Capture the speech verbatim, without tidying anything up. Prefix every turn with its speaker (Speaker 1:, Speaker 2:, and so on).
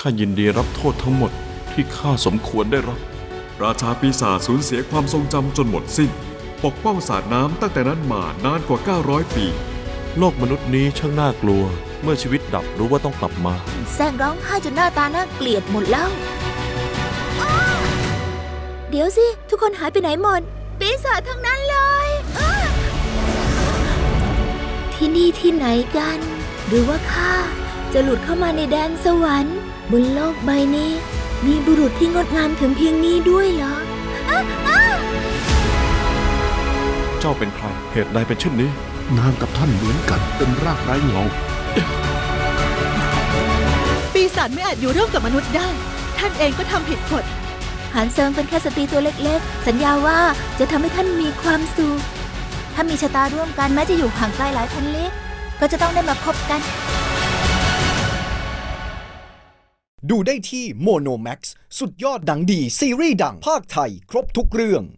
Speaker 1: ข้ายินดีรับโทษทั้งหมดที่ข้าสมควรได้รับ
Speaker 2: ราชาปีศาจสูญเสียความทรงจำจนหมดสิ้นปกป้องสาดน้ำตั้งแต่นั้นมานานกว่าเก้าร้อยปี
Speaker 1: โลกมนุษย์นี้ช่างน่ากลัวเมื่อชีวิตดับรู้ว่าต้องกลับมา
Speaker 3: แซงร้องไห้จนหน้าตาน่าเกลียดหมดแล้วเดี๋ยวสิทุกคนหายไปไหนหมดปีศาจทั้งนั้นเลยที่นี่ที่ไหนกันหรือว่าข้าจะหลุดเข้ามาในแดนสวรรค์บนโลกใบนี้มีบุรุษที่งดงามถึงเพียงนี้ด้วยเหรอ
Speaker 1: เจ้าเป็นใครเหตุใดเป็นเช่นนี้
Speaker 4: นางกับท่านเหมือนกันเป็นรากไร้เงา
Speaker 5: ปีศาจไม่อาจอยู่ร่วมกับมนุษย์ได้ท่านเองก็ทำผิดกฎ
Speaker 3: หานเซิงเป็นแค่สตรีตัวเล็กๆสัญญาว่าจะทำให้ท่านมีความสุขถ้ามีชะตาร่วมกันแม้จะอยู่ห่างไกลหลายพันลี้ก็จะต้องได้มาพบกัน
Speaker 6: ดูได้ที่โมโนแม็กซ์สุดยอดหนังดีซีรีส์ดังภาคไทยครบทุกเรื่อง